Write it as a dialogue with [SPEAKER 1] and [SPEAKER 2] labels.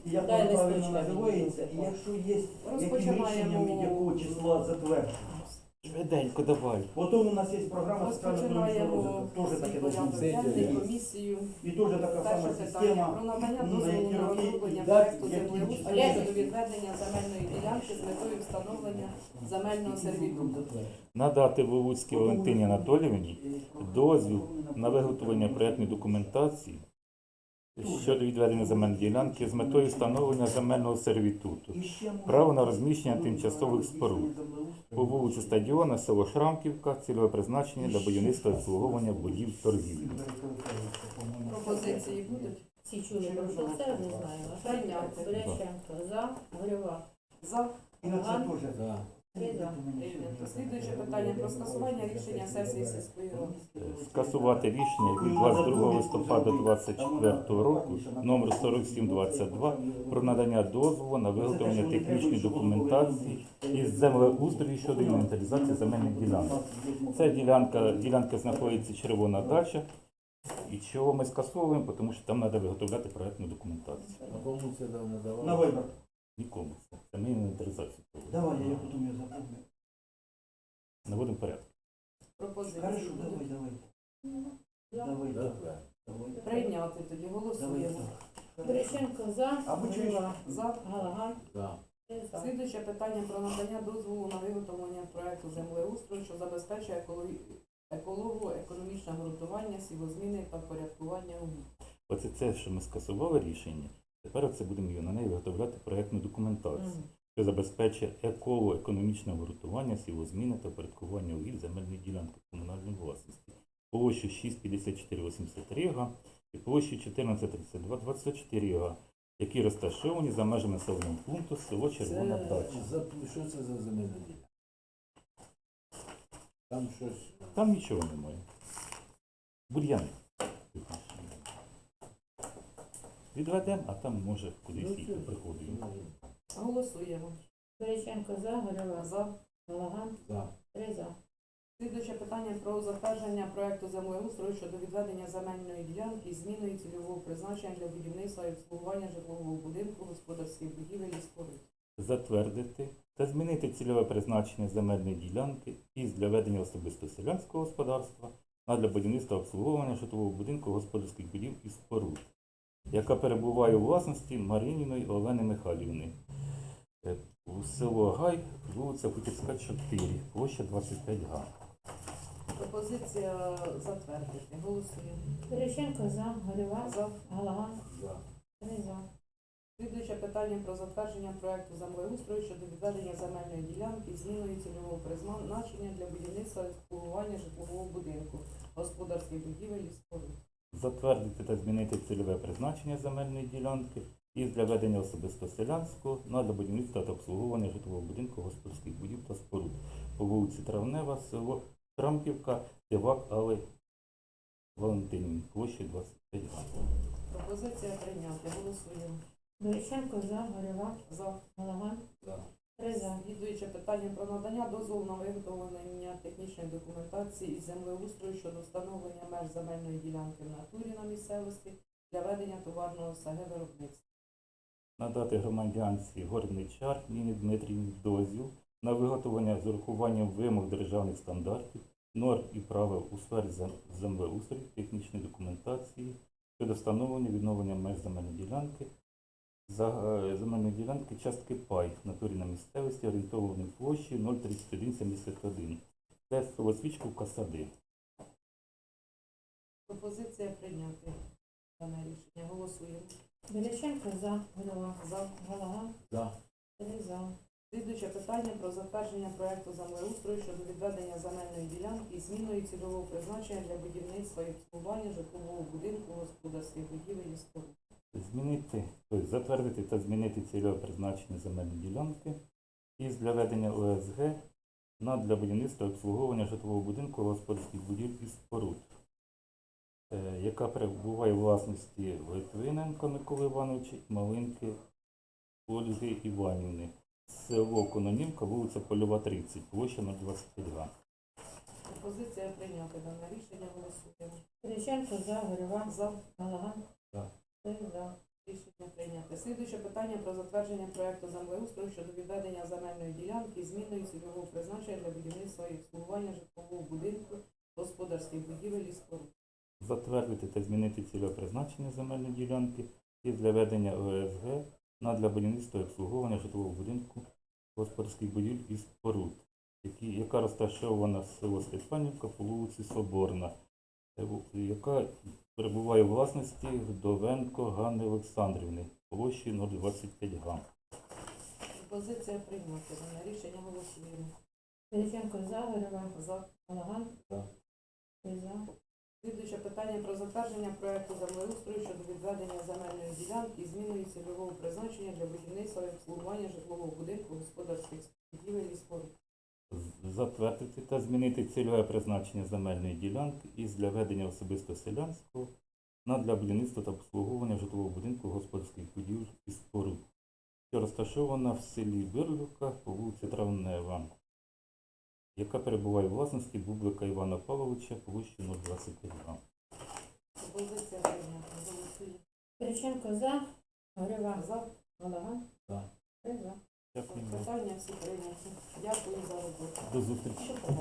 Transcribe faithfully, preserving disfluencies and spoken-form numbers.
[SPEAKER 1] як
[SPEAKER 2] Дай
[SPEAKER 1] воно правильно
[SPEAKER 2] листочка.
[SPEAKER 1] називається, і якщо є яким
[SPEAKER 3] Розпочинаємо.
[SPEAKER 1] рішенням від якого числа затверджено.
[SPEAKER 4] Швиденько давай.
[SPEAKER 1] Потім у нас є програма соціально-економічного
[SPEAKER 3] Розпочинаємо
[SPEAKER 1] розвитку, теж таке
[SPEAKER 3] свій
[SPEAKER 1] должно
[SPEAKER 3] порядок
[SPEAKER 1] бути.
[SPEAKER 3] денний, комісію.
[SPEAKER 1] І теж така
[SPEAKER 3] Перше
[SPEAKER 1] сама
[SPEAKER 3] питання
[SPEAKER 1] система.
[SPEAKER 3] про надання
[SPEAKER 1] ну, на
[SPEAKER 3] дозволу
[SPEAKER 1] які
[SPEAKER 3] на
[SPEAKER 1] роки
[SPEAKER 3] розроблення
[SPEAKER 1] і дати,
[SPEAKER 3] проекту
[SPEAKER 1] які
[SPEAKER 3] землеустрою
[SPEAKER 2] числа.
[SPEAKER 3] щодо відведення земельної ділянки з метою встановлення земельного сервітуту.
[SPEAKER 4] Надати Вовуцькій Валентині Анатоліївні дозвіл на виготовлення проєктної документації щодо відведення земельної ділянки з метою встановлення земельного сервітуту.
[SPEAKER 1] І ще можна-
[SPEAKER 4] Право на розміщення тимчасових споруд. По вулиці Стадіона, село Шрамківка, цільове призначення для будівництва і обслуговування будівель торгівлі.
[SPEAKER 3] Пропозиції будуть?
[SPEAKER 2] Всі чули про що це, не знаю.
[SPEAKER 3] Прийняти.
[SPEAKER 2] Берещенко, за, Горюва,
[SPEAKER 3] За.
[SPEAKER 1] І на це теж.
[SPEAKER 2] три за.
[SPEAKER 3] Прийнято. Слідуюче питання про скасування рішення сесії сільської ради.
[SPEAKER 4] Скасувати рішення від двадцять другого листопада двадцять четвертого року номер сорок сім двадцять два про надання дозволу на виготовлення технічної документації із землеустрою щодо інвентаризації земельних ділянок. Ця ділянка, ділянка знаходиться червона дача. І чого ми скасовуємо? Тому що там треба виготовляти проєктну документацію.
[SPEAKER 5] А кому це дав надавав?
[SPEAKER 1] На вибір.
[SPEAKER 4] Нікому це. Це ми інвентаризацію проводимо.
[SPEAKER 1] Давай, я потім я запомню.
[SPEAKER 4] Наводимо порядок.
[SPEAKER 3] Пропозиції
[SPEAKER 1] Хорошо, давай,
[SPEAKER 3] будуть?
[SPEAKER 1] давай.
[SPEAKER 2] За.
[SPEAKER 1] Давай,
[SPEAKER 5] Да,
[SPEAKER 1] давай.
[SPEAKER 5] да.
[SPEAKER 1] Давай.
[SPEAKER 3] Прийняти тоді.
[SPEAKER 1] Давай
[SPEAKER 3] Голосуємо.
[SPEAKER 1] так.
[SPEAKER 2] Берещенко, за,
[SPEAKER 1] Або чуєш?
[SPEAKER 2] Горюва,
[SPEAKER 3] За.
[SPEAKER 2] Галаган,
[SPEAKER 5] Да.
[SPEAKER 2] три за.
[SPEAKER 3] Слідуюче питання про надання дозволу на виготовлення проекту землеустрою, що забезпечує екологі- еколого-економічне ґрунтування, сівозміни та впорядкування угідь.
[SPEAKER 4] Оце це, що ми скасували рішення. Тепер оце будемо на неї виготовляти проєктну документацію,
[SPEAKER 2] Мгм.
[SPEAKER 4] що забезпечує еколого-економічне ґрунтування, сівозміни та впорядкування угідь земельної ділянки комунальної власності. Площу шість п'ятдесят чотири вісімдесят три га і площу чотирнадцять тридцять два двадцять чотири га, які розташовані за межами населеного пункту село Червона
[SPEAKER 5] Це
[SPEAKER 4] Дача.
[SPEAKER 5] за що це за земельна ділянка? Там щось.
[SPEAKER 4] Там нічого немає. Бур'яни. Відведемо, а там може кудись
[SPEAKER 5] Ну,
[SPEAKER 4] їхати
[SPEAKER 5] це-
[SPEAKER 4] приходимо.
[SPEAKER 3] Голосуємо.
[SPEAKER 2] Берещенко, за, Горюва,
[SPEAKER 3] За.
[SPEAKER 2] Галаган,
[SPEAKER 5] Да.
[SPEAKER 2] три за.
[SPEAKER 3] Слідуюче питання про затвердження проекту землеустрою щодо відведення земельної ділянки з зміною цільового призначення для будівництва і обслуговування житлового будинку, господарських будівель і споруд.
[SPEAKER 4] Затвердити та змінити цільове призначення земельної ділянки із для ведення особисто селянського господарства на для будівництва обслуговування житлового будинку господарських будівель і споруд, яка перебуває у власності Марініної Олени Михайлівни. Е, У село Гай, вулиця Путівська, чотири, площа двадцять п'ять га.
[SPEAKER 3] Пропозиція затвердити. Голосуємо.
[SPEAKER 2] Берещенко, за, Горюва,
[SPEAKER 3] За.
[SPEAKER 2] Галаган,
[SPEAKER 5] Да.
[SPEAKER 2] три за.
[SPEAKER 3] Слідуюче питання про затвердження проекту землеустрою щодо відведення земельної ділянки з зміною цільового призначення для будівництва і обслуговування житлового будинку, господарських будівель і споруд.
[SPEAKER 4] Затвердити та змінити цільове призначення земельної ділянки із для ведення особисто селянського на для будівництва та обслуговування житлового будинку, господарських будівель та споруд по вулиці Травнева, село Шрамківка, Тивак, Алли Валентинівни, площі двадцять п'ять га.
[SPEAKER 3] Пропозиція прийняти. Голосуємо.
[SPEAKER 2] Берещенко, за, Горюва,
[SPEAKER 3] За.
[SPEAKER 2] Галаган,
[SPEAKER 5] Да.
[SPEAKER 2] три за.
[SPEAKER 3] Слідуюче питання про надання дозволу на виготовлення технічної документації із землеустрою щодо встановлення меж земельної ділянки в натурі на місцевості для ведення товарного ес ге виробництва.
[SPEAKER 4] Надати громадянці Горничар Ніні Дмитрівні дозвіл на виготовлення з урахуванням вимог державних стандартів, норм і правил у сфері зем- землеустрою, технічної документації щодо встановлення відновлення меж земельної ділянки, за е, земельної ділянки частки пай в натурі на місцевості орієнтованої площі нуль тридцять один сімдесят один. Це село Свічковка, Сади.
[SPEAKER 3] Пропозиція прийняти дане рішення. Голосуємо.
[SPEAKER 2] Берещенко, за, Горюва,
[SPEAKER 3] За.
[SPEAKER 2] Галаган,
[SPEAKER 5] Да.
[SPEAKER 2] три за.
[SPEAKER 3] Слідуюче питання про затвердження проекту землеустрою щодо відведення земельної ділянки і зміною цільового призначення для будівництва і обслуговування житлового будинку, господарських будівель і споруд.
[SPEAKER 4] Змінити, тобто затвердити та змінити цільове призначення земельної ділянки із для ведення о ес ге на для будівництва і обслуговування житлового будинку, господарських будівель і споруд, е, яка перебуває у власності Литвиненка Миколи Івановича і Малинки Ольги Іванівни. Село Кононівка, вулиця Польова, тридцять, площа нуль двадцять п'ять га.
[SPEAKER 3] Пропозиція прийняти дане рішення. Голосуємо.
[SPEAKER 2] Берещенко, за, Горюва,
[SPEAKER 3] За.
[SPEAKER 2] Галаган,
[SPEAKER 5] За.
[SPEAKER 2] три за.
[SPEAKER 3] Рішення прийнято. Слідуюче питання про затвердження проекту землеустрою щодо відведення земельної ділянки, зміною цільового призначення для будівництва і обслуговування житлового будинку, господарських будівель і споруд.
[SPEAKER 4] Затвердити та змінити цільове призначення земельної ділянки і для ведення О С Г на для будівництва і обслуговування житлового будинку, господарських будівель і споруд, які, яка розташована в село Степанівка по вулиці Соборна, е, яка перебуває у власності Вдовенко Ганни Олександрівни, площі нуль двадцять п'ять га.
[SPEAKER 3] Пропозиція прийнята. На рішення голосуємо.
[SPEAKER 2] Величенко за, Горюва,
[SPEAKER 3] За.
[SPEAKER 2] Галаган.
[SPEAKER 5] За.
[SPEAKER 2] Три за.
[SPEAKER 3] Слідуюче питання про затвердження проекту землеустрою щодо відведення земельної ділянки, зміною цільового призначення для будівництва і обслуговування житлового будинку, господарських будівель і споруд.
[SPEAKER 4] З- Затвердити та змінити цільове призначення земельної ділянки із для ведення особисто селянського на для будівництва та обслуговування житлового будинку, господарських будівель і споруд, що розташована в селі Бирлюка по вулиці Травнева, яка перебуває у власності Бублика Івана Павловича, площі нуль двадцять п'ять га.
[SPEAKER 3] Пропозиція прийнята. Голосуємо.
[SPEAKER 2] Величенко за, Горюва,
[SPEAKER 3] За.
[SPEAKER 2] Галаган.
[SPEAKER 5] За.
[SPEAKER 2] Три за.
[SPEAKER 4] Дякую.
[SPEAKER 3] Питання всі прийняті. Дякую за роботу.
[SPEAKER 4] До зустрічі.